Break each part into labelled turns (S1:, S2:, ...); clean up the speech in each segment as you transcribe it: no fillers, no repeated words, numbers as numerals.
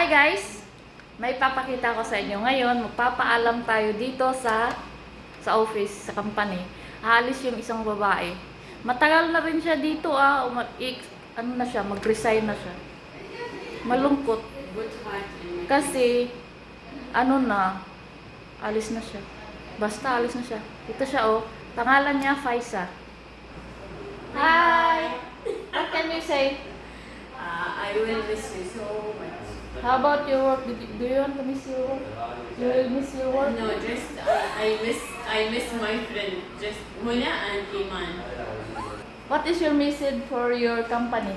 S1: Hi guys! May papakita ko sa inyo ngayon. Magpapaalam tayo dito sa office, sa company. Aalis yung isang babae. Matagal na rin siya dito ano na siya, mag-resign na siya. Malungkot. Kasi, alis na siya. Basta alis na siya. Ito siya pangalan niya Faisa. Hi! What can you say?
S2: I will miss you so much.
S1: How about your work? Do you want to miss your work? You will miss your work?
S2: No, just I miss my friend. Just Muna and Iman.
S1: What is your message for your company?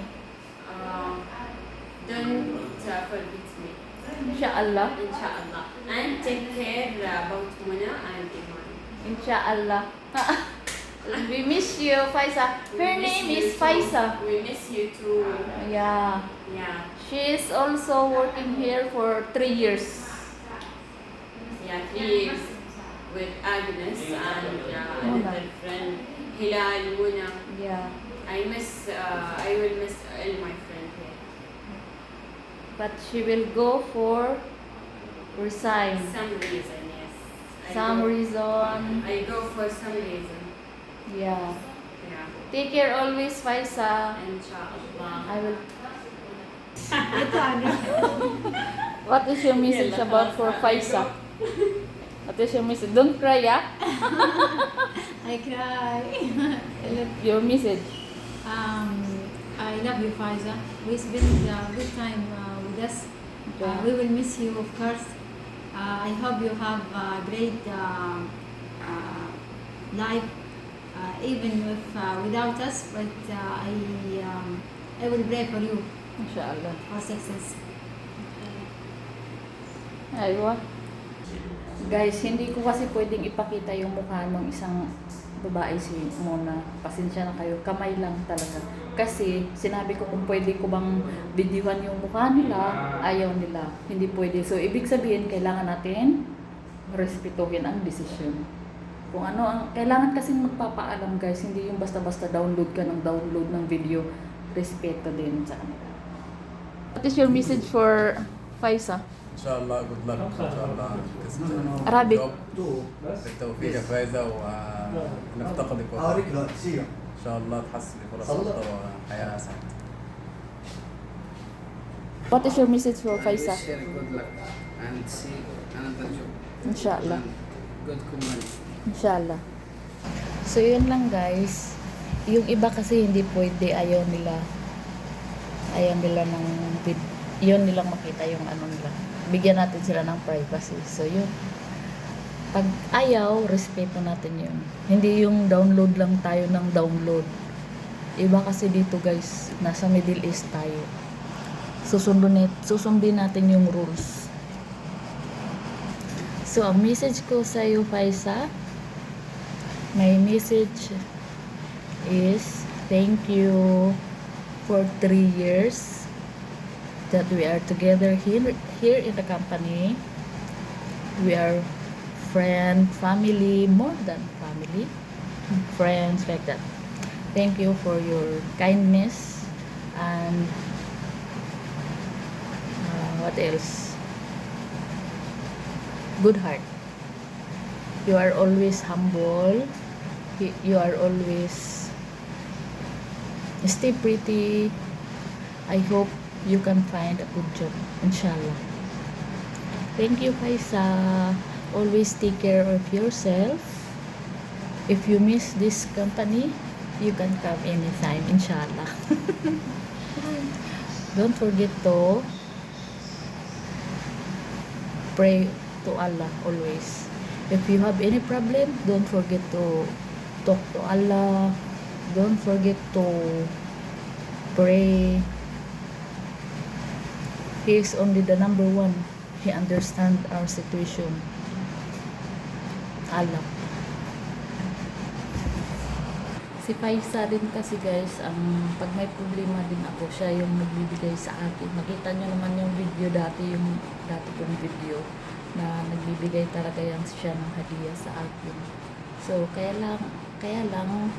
S2: Don't forget me,
S1: Inshallah.
S2: inshallah. And take care about Muna and Iman.
S1: Inshallah. We miss you, Faisa.
S2: We
S1: Her
S2: miss
S1: name
S2: you
S1: is
S2: too.
S1: Faisa.
S2: We miss you too.
S1: Yeah.
S2: Yeah,
S1: She is also working here for 3 years.
S2: yeah. 3 years with Agnes and
S1: Muna.
S2: another friend Hilal Muna.
S1: Yeah.
S2: I will miss all my friends here.
S1: But she will go for resign.
S2: Some reason, yes.
S1: Some reason.
S2: I go for some reason.
S1: Yeah.
S2: Yeah.
S1: Take care always, Faisa.
S2: Inshallah.
S1: I will. What is your message about for Faisa? What is your message? Don't cry, yeah?
S3: I cry.
S1: Your message.
S3: I love you, Faiza. We spend a good time with us.
S1: Yeah.
S3: We will miss you, of course. I hope you have a great life, even if without us. But I will pray for you
S1: Inshallah.
S3: for success.
S1: Aywa. Guys, hindi ko kasi pwedeng ipakita yung mukha ng isang babae si Mona. Pasensya na kayo. Kamay lang talaga. Kasi sinabi ko kung pwede ko bang videohan yung mukha nila, ayaw nila. Hindi pwede. So, ibig sabihin, kailangan natin respetuhin ang desisyon. Kung ano ang kailangan kasing magpapaalam, guys, hindi yung basta-basta download ka ng download ng video. Respeto din sa kanila. What is your message for Faisa?
S4: ان شاء الله جود لك ان شاء الله
S1: Arabic.
S4: بالتوفيق يا فايزه ونفتقدك ان شاء الله تحسني فرص افضل وحياه اسعد.
S1: What is your message for Faisa?
S5: I wish her good luck and see another job.
S1: Inshallah.
S5: And good company.
S1: Inshallah. So, yun lang guys. Yung iba kasi hindi pwede, ayaw nila ng yun nilang makita yung ano nila. Bigyan natin sila ng privacy. So, yun. Pag ayaw, respeto natin yun. Hindi yung download lang tayo ng download. Iba kasi dito guys, nasa Middle East tayo. Susundin natin yung rules. So, ang message ko sa iyo, Faisa, my message is thank you for 3 years that we are together here in the company. We are family, more than family, friends like that. Thank you for your kindness and what else? Good heart. You are always humble. You are always stay pretty. I hope you can find a good job, inshallah. Thank you, Faisa. Always take care of yourself. If you miss this company, you can come anytime, inshallah. Don't forget to pray to Allah always. If you have any problem, don't forget to talk to Allah. Don't forget to pray. He is only the number one. He understands our situation. Allah. Si Faisa din kasi guys, pag may problema din ako, siya yung nagbibigay sa akin. Nakita nyo naman yung video dati kong video na nagbibigay talaga yan siya ng hadiah sa akin. So, kaya lang,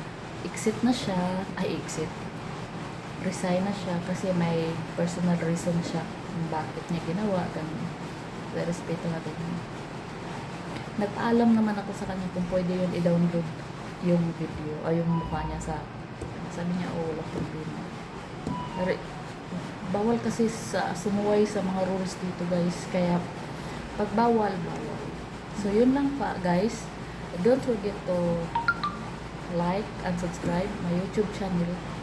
S1: resign na siya kasi may personal reason siya kung bakit niya ginawa, ganun. Respeto natin yun. Nagpaalam naman ako sa kanya kung pwede yun i-download yung video o yung mukha niya sa sabi niya, wala problema. Pero bawal kasi sa sumuway sa mga rules dito guys, kaya pag bawal. So yun lang pa guys, don't forget to like and subscribe my YouTube channel